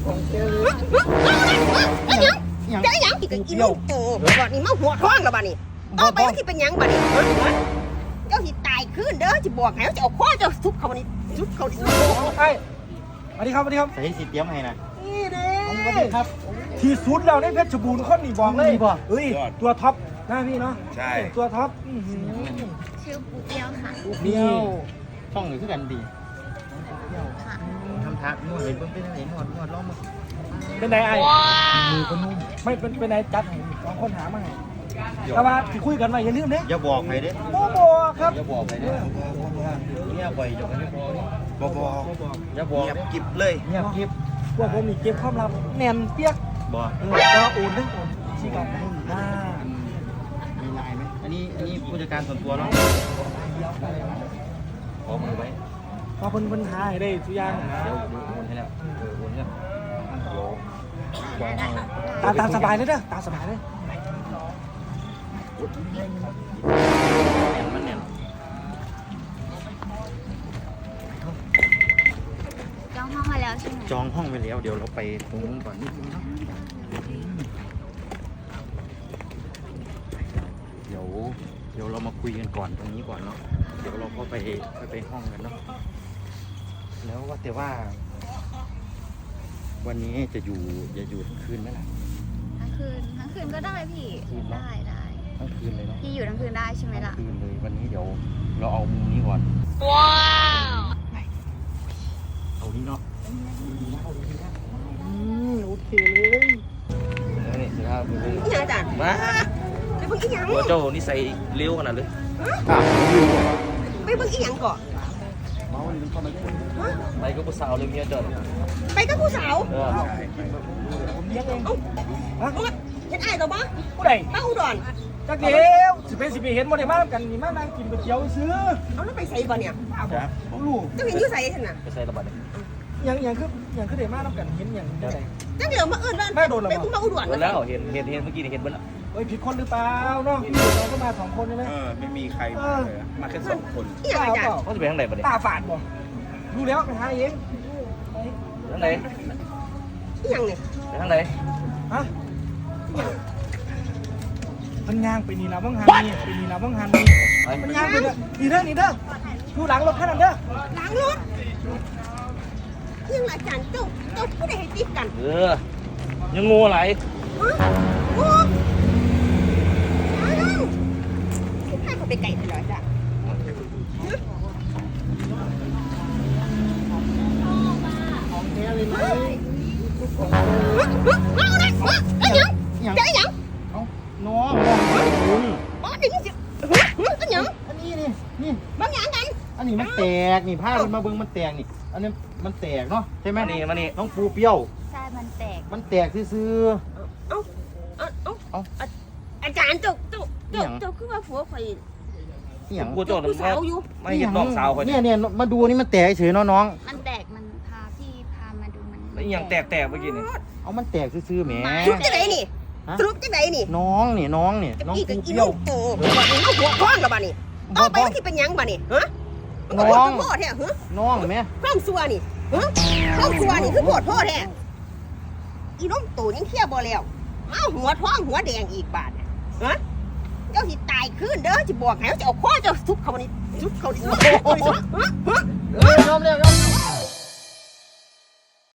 ยังจะยังกินกินลูกโตบ่นี่มาหัวท้องแล้วบ่นี่เอาไปที่เป็นยังบ่นี่เจ้าสิตายขึ้นเด้อสิบอกให้จะเอาข้อเจ้าซุบเขานี่ซุบเขานี่ไอ้สวัสดีครับสวัสดีครับใส่สีเตรียมให้นะนี่เด้สวัสดีครับที่สุดแล้วในเพชรบูรณ์คนนี่บอกเลยเฮ้ยตัวท็อปนะพี่เนาะใช่ตัวท็อปชื่อปูเปียวค่ะนี่ช่องหนึ่งคือกันดีทำทักนวดเลยเพิ่งเป็นอะไรนวดล้อมมือเป็นไงไอ้มือก็นุ่มไม่เป็นไงจัดให้สองคนหามาให้แต่ว่าที่คุยกันไว้อย่าลืมเด้อย่าบอกใครเด้บ่บอกครับอย่าบอกใครเด้เนี่ยบ่อยจนไม่พอบอกอย่าบอกเงียบกิบเลยเงียบกิบพวกผมมีเก็บความลับแน่นเปียกบอกก็โอนเรื่องโอนชี้กันให้หน้ามีลายไหมอันนี้ผู้จัดการส่วนตัวเนาะขอมือไว้พอคนหาให้ได้ทุกอย่างนะเดี๋ยวโอนให้แล้วโอนเนี่ยตามสบายเลยเด้อตามสบายเลยมันเนี่ยจองห้องมาแล้วใช่ไหมจองห้องไปแล้วเดี๋ยวเราไปตรงนู้นก่อนนิดนึงเนาะเดี๋ยวเรามาคุยกันก่อนตรงนี้ก่อนเนาะเดี๋ยวเราก็ไปห้องกันเนาะแล้วว่าแต่ว่าวันนี้จะอยู่ทั้งคืนไหมล่ะทั้งคืนก็ได้พี่ได้ทั้งคืนเลยเนาะพี่อยู่ทั้งคืนได้ใช่ไหมล่ะคืนเลยวันนี้เดี๋ยวเราเอามุมนี้ก่อนว้าวเอานี้เนาะโอเคเลยนี่สิครับอีหยังอาจารย์มาไปเบิ่งอีหยังตัวเจ้านี่ใส่เลี้ยวขนาดเลยไปเบิ่งอีหยังก่อนไปก็ผู้สาวเลยเมียเจ้าไปกับผู้สาวผมเลี้ยงเองเห็นอ้ายต่อบ่ผู้ใดมาอุดรจักเดียวสิไปเห็นบ่ได้มากันนี่มานั่งกินก๋วยเตี๋ยวซื้อเอาแล้วไปใส่บ่เนี่ยครับผมรู้เจ้าเห็นอยู่ใส่ซั่นน่ะไปใส่ระบาดเลยยังคือได้มานํกันเห็นอย่างได้จังเดี๋ยวมาเอิ้นว่าไปคุณมาอุดรแล้วเห็นเมื่อกี้นี่เห็นเบิ่แล้วเฮ้ยผิดคนหรือเปล่าเนาะเราก็มา2คนใช่มั้ยไม่มีใครมาเลยมาแค่2คนอีหยังอาจารย์เขาจะไปทางไหนบ่เนี่ยตาฝาดบ่ดูแล้วไปหาเองทางไหนอีหยังนี่ไปทางไหนฮะมันย่างไปนี่นะว่างหันนี่ไปนี่นะว่างหันนี่มันย่างไปนี่เด้อดูหลังรถคันนั้นเด้อหลังรถยังอาจารย์เจ้าผู้ใดให้ติดกันยังงูอะไรโอ้ให้เขาไปไกลไปเลยจ้ะของแท้เลยไหมเอาเลยไอ้ยังไอ้ยังน้องอ๋อนี่สิไอ้ยังอันนี้นี่บางอย่างกันอันนี้มันแตกนี่ผ้ามันมาเบิ่งมันแตกนี่อันนี้มันแตกเนาะใช่ไหมนี่มันนี่น้องปูเปี้ยวใช่มันแตกซื่อเอาอาจารย์เจ้าคือว่าผัวข่อยอย่างกูโจทย์สาวอยู่ไม่เห็นน้องสาวข่อยเนี่ยมาดูนี่มันแตกเฉยน้องมันแตกมันพามาดูมันแล้วอย่างแตกเมื่อกี้นี่เอามันแตกซื่อแหมสรุปจะไหนนี่สรุปจะไหนนี่น้องน้องปูเปี้ยวโอ้มันเอาหัวท้องแล้วบ้านี่เอาไปที่เป็นยังบ้านี่ฮะน้องพ่อแท้ฮะน้องไหมข้าวซัวนี่ฮะข้าวซัวนี่คือปวดพ่อแท้อีน้องตู่ยังเที่ยวบ่แล้วเอาหัวท้องหัวแดงอีกบาทฮะเจ้าสิตายขึ้นเด้อจะบอกให้จะเอาข้อเจ้าซุบเขานี่ซุบเขานี่ยอมแล้ว